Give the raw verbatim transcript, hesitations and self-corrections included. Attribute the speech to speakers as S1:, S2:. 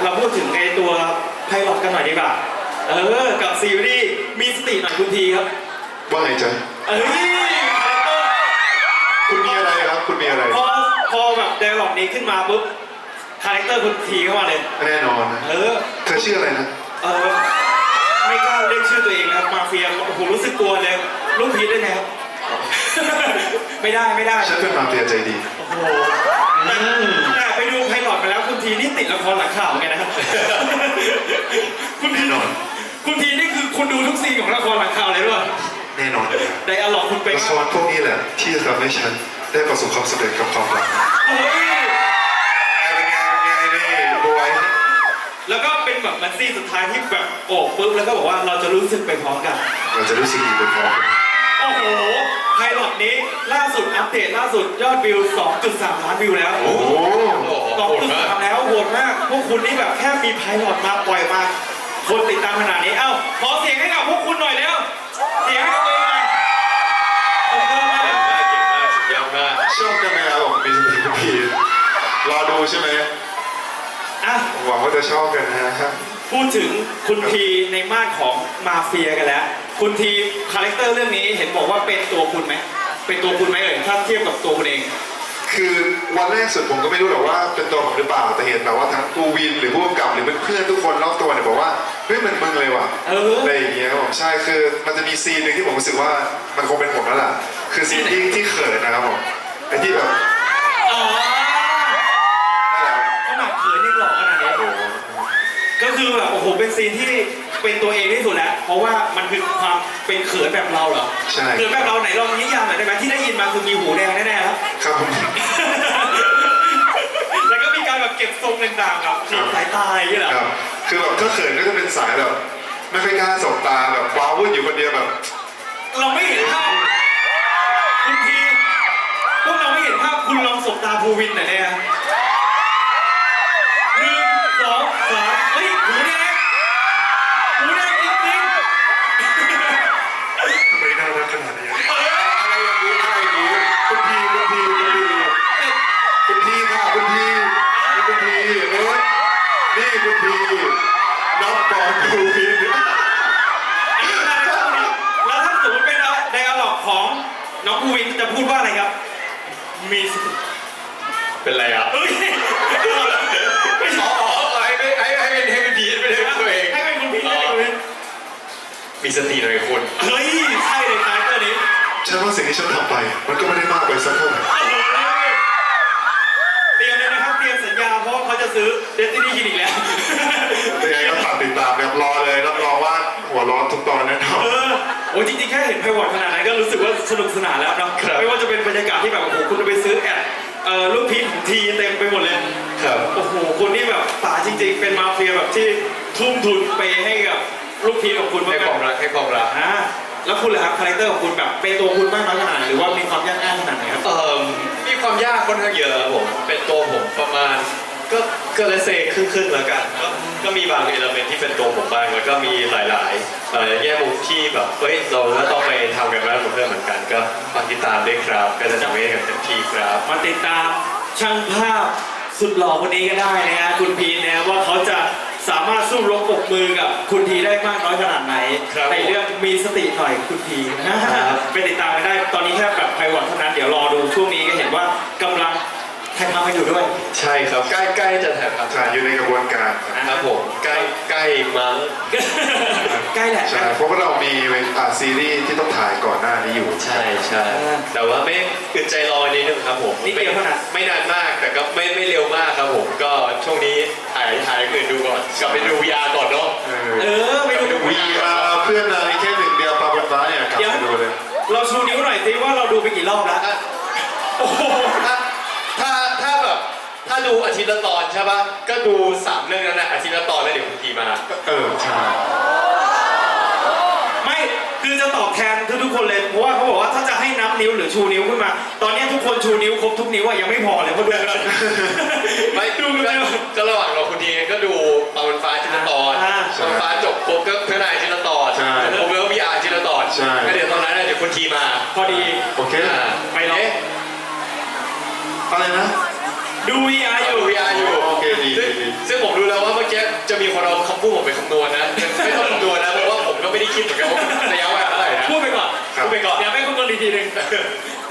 S1: เราพูดถึงในตัวไพลอตกันหน่อยดีกว่าเออกับซีรีส์มีสติหน่อยคุณทีครับ
S2: ว่าไงจ๊ะ
S1: เอ้ยคาแรคเตอร์
S2: คุณมีอะไรครับคุณมีอะไร
S1: พอพอแบบไดอะล็อกนี้ขึ้นมาปุ๊บคาแรคเตอร์คุณทีเข้ามาเลย
S2: แน่นอนนะ
S1: เออ
S2: เธอชื่ออะไรนะ
S1: เออไม่กล้าเรียกชื่อตัวเองนะครับมาเฟียโอ้โหรู้สึกกลัวเลยลูกพีทได้ไหมครับไม่ได้ไม่ได้
S2: ฉันเป็นมาเฟียใจดี
S1: โอ้โหแต่ไปดูไพลอตมาแล้วคุณทีนี่ติดละครหลังข่าวไงนะครับคุณทีนอนคุณทีนี่คือคุณดูทุกซีนของละครหลังข่าวเลยด้วย
S2: แน่นอนเลย
S1: ไดอะล็อกคุณเป็น
S2: ละครพวกนี้แหละที่จะทำให้ฉันได้ประสบความสำเร็จกับความรัก
S1: เฮ้ย
S2: เป็นไงเป็นไงนี่บอย
S1: แล้วก็เป็นแบบมันซีนสุดท้ายที่แบบโอบปุ๊บแล้วก็บอกว่าเราจะรู้สึกไปพร้อมกัน
S2: เราจะรู้สึกดีไปพร้อม
S1: โอ้โหไพลอตนี้ล่าสุดอัปเดตล่าสุดยอดวิว สองจุดสาม ล้านวิวแล้ว
S2: โอ้โห
S1: สองจุดสาม แล้วโหดมากพวกคุณนี่แบบแค่มีไพลอตมาปล่อยมาคนติดตามขนาดนี้เอ้าขอเสียงให้กับพวกคุณหน่อยเร็วเสียงให้กับตัวเองหน่อยขอบคุณมาก
S3: เก่งมากสุดยอดมาก
S2: ชอบกันไหมครับผมมีสติคุณพีรอดูใช่ไหม
S1: อ่ะ
S2: หวังว่าจะชอบกันนะฮะ
S1: พูดถึงคุณพีในม่านของมาเฟียกันแล้วคุณทีคาแรคเตอร์เรื่องนี้เห็นบอกว่าเป็นตัวคุณไหมเป็นตัวคุณไหมเอ่ยถ้าเทียบกับตัวคุณเอง
S2: คือวันแรกสุดผมก็ไม่รู้หรอกว่าเป็นตัวผมหรือเปล่าแต่เห็นแบบว่าทั้งกูวินหรือผู้กำกับหรือเพื่อนๆทุกคนรอบตัวเนี่ยบอกว่าเฮ้ยเหมือนมึงเลยว่ะอะไรอย่างเงี้ยผมใช่คือมันจะมีซีนหนึ่งที่ผมรู้สึกว่ามันคงเป็นผมแล้วล่ะคือซีนที่ที่เขินนะครับผมไอ้ที่แบบ
S1: อ๋อขนาดเขินยังหล่อขนาดนี้ก็คือแบบโอ้โหเป็นซีนที่เป็นตัวเองที่สุดแล้วเพราะว่ามันคือความเป็นเขินแบบเราเหรอ
S2: ใช่
S1: เขินแบบเราไหนลองนิยามหน่อยได้ไหมที่ได้ยินมาคือมีหูแดงแน่ๆครับ
S2: ครับผม
S1: แล้วก็มีการแบบเก็บทรงต่างๆแบบสายตาอย่างเงี้ยเหรอ
S2: ครับคือแบบถ้าเขินก็จะเป็นสายแบบไม่ค่อยกล้าสบตาแบบว้าวุ่นอยู่คนเดียวแบบ
S1: เราไม่เห็นภาพคุณทีพวกเราไม่เห็นภาพคุณลองสบตาภูวินหน่อยเนี่ยหนึ่งสองสามเฮ้ยหูแดงหูแดงจริง
S2: ๆทำไมน่ารักขนาดนี้อะไรอย่างนี้อะไรอย่างนี้คุณพีคุณพีคุณพีคุณพีค่ะคุณพีนี่คุณพีเอ้ยนี่คุณพีนับก่อนภูวิน
S1: อันนี้อะไรครับแล้วถ้าสมมติเป็นไดอะล็อกของน้องภูวินจะพูดว่าอะไรครับมี
S3: เป็นไรอ่ะ
S1: เฮ้ย
S3: ไม่ขอให้ให้ให้ให้เป็นให้เป็นพีทไม่ได้เป็นตัวเอง
S1: ให้เป็นคุณพีทให้เป็นคุณพีท
S3: มีสติหน่อยคุณ
S1: เฮ้ยใช่เลยคาแรคเตอร์นี้
S2: ฉันว่าสิ่งที่ฉันทำไปมันก็ไม่ได้มากไปสักเท่าไหร่
S1: เตรียมเลยนะครับเตรียมสัญญาเพราะเขาจะซื้อเดสตินีคลินิกแล้ว
S2: ยังไงก็ฝากติดตามแบบรอเลยรับรองว่าหัวร้อนทุกตอนแน่นอน
S1: เออโอ้จริงๆแค่เห็นไพวอตขนาดนั้นก็รู้สึกว่าสนุกสนานแล้วนะไม่ว่าจะเป็นบรรยากาศที่แบบโอ้โหคุณจะไปซื้อแอดเอ่อลูกพีชของทีเต็มไปหมดเลย
S3: ครับ
S1: โอ้โหคนที่แบบป่าจริงๆเป็นมาเฟียแบบที่ทุ่มทุนไปให้กับลูกพีชของคุณ
S3: ให้ความรักให้ความรัก
S1: อ่าแล้วคุณล่ะครับคาแรคเตอร์ของคุณแบบเป็นตัวคุณมากน้อยขนาดไหนหรือว่ามีความยากง่ายขนาดไหนครับ
S3: เอ่อมีความยากค่อนข้างเยอะผมเป็นตัวผมประมาณก็ก็เลยเซครึ่งๆแล้วกันก็ก็มีบางเอลเมนต์ที่เป็นตัวผมบ้างแล้วก็มีหลายๆแง่มุมที่แบบเฮ้ยเราก็ต้องไปทำกันบ้างกับเพื่อนเหมือนกันก็ฝากติดตามด้วยครับก็จะทำให้กันเต็มที่ครับ
S1: มาติดตามช่างภาพสุดหล่อคนนี้ก็ได้นะฮะคุณพีนนะว่าเขาจะสามารถสู้รบปกมือกับคุณทีได้มากน้อยขนาดไหนในเรื่องมีสติหน่อยคุณทีนะไปติดตามกันได้ตอนนี้แค่แบบไพวอตเท่านั้นเดี๋ยวรอดูช่วงนี้ก็เห็นว่ากำลังถ่ายทำกันอยู่ด้วย
S3: ใช่ครับใกล้ใกล้จะถ่ายทำ
S2: ใช่อยู่ในกระบวนการ
S3: ครับผมใกล้ใกล้มั้ง
S1: ใกล้แหละ
S2: ใช่เพราะว่าเรามีซีรีส์ที่ต้องถ่ายก่อนหน้านี้อยู่
S3: ใช่ใช่แต่ว่าไม่อึดใจรอนิดนึงครับผม
S1: นิดเดียวเท่านั้น
S3: ไม่นานมากแต่ก็ไม่ไม่เร็วมากครับผมก็ช่วงนี้ถ่ายถ่ายอื่นดูก่อนกลับไปดู วี อาร์ ก่อนเนาะ
S1: เออไปดู
S2: วี อาร์ เพื่อนนายแค่หนึ่งเดียวปลาบนฟ้าเนี่ยกลับไปดูเลย
S1: เราชูนิ้วหน่อยสิว่าเราดูไปกี่รอบแล้วโอ้โห
S3: ถ้าถ้าแบบถ้าดูอาทิตย์ละตอนใช่ป่ะก็ดูสามเรื่องนั้นนะอาทิตย์ละตอนแล้วเดี๋ยวคุณทีมา
S2: เออใช่
S1: ไม่คือจะตอบแทนทุกๆคนเลยเพราะว่าเขาบอกว่าถ้าจะให้นับนิ้วหรือชูนิ้วขึ้นมาตอนนี้ทุกคนชูนิ้วครบทุกนิ้วอะยังไม่พอเลยเพราะด้วย
S3: ไม่ดูก็ระหว่างเราคุณทีก็ดูปาวันฟ้าอาทิตย์ละตอนปาวันฟ้าจบปุ๊บก็เพื่อนายอาทิตย์ละตอนผมเวลวีอาร์อาทิตย์ละตอนก็เดี๋ยวตอนนั้นเดี๋ยวคุณทีมา
S1: พอดี
S2: โอเค
S1: ไปเนาะ
S2: อะไรนะ
S1: ดู วี อาร์ อยู่
S3: วี อาร์ อยู่
S2: โอเคดี
S3: ซึ่งผมดูแล้วว่าเมื่อกี้จะมีคนเอาคำพูดผมไปคำนวณนะไม่ต้องคำนวณนะเพราะว่าผมก็ไม่ได้คิดเหมือนกันว่าระยะเวลาเท่าไหร่นะ
S1: พูดไปก่อน
S3: พูดไปก่อน
S1: อย่าไม่คำนวณอีกทีหนึ่ง